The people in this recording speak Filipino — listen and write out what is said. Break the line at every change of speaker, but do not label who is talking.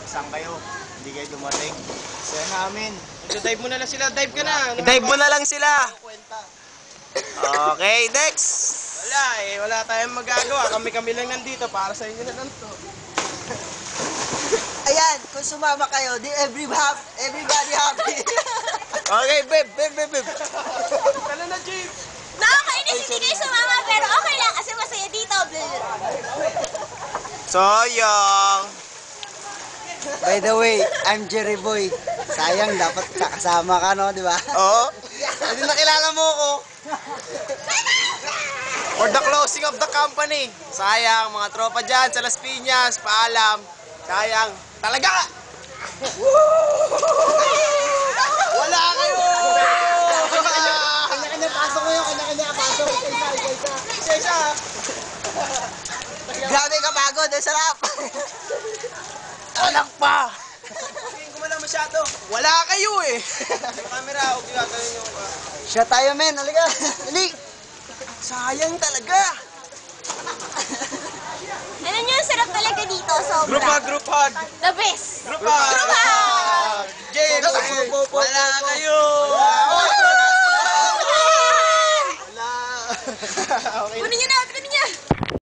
saan kayo? Hindi kayo dumating. Saya namin.
Dive mo na lang sila. Dive ka na.
I-dive mo na lang sila. Okay, next.
Wala eh. Wala tayong magagawa. Kami-kami lang nandito. Para sa inyo na lang to.
Ayan, kung sumama kayo, di everybody happy.
Okay, babe.
Tala na, Jake.
Nakakainis hindi kayo sumama pero okay lang kasi masaya dito.
Soyong.
By the way, I'm Jerry Boy. Sayang, dapat kasama ka, no? Di ba?
Oo. Hindi nakilala mo ko. For the closing of the company. Sayang, mga tropa dyan sa Las Piñas. Paalam. Sayang. Talaga! Wala kayo!
Kanya-kanya pasok mo yun, kanya-kanya pasok.
Isa-isa.
Grabe ka pagod, ang sarap.
Anak pa!
Tingin ko mo lang masyado. Wala kayo eh. Yung camera, huwag yung gagawin yung...
Siya tayo, men. Halika. Dali.
Sayang talaga!
Alam niyo, sarap talaga dito. Sobra.
Group hug.
The best.
Group hug. James, wala kayo.
Kunin niyo na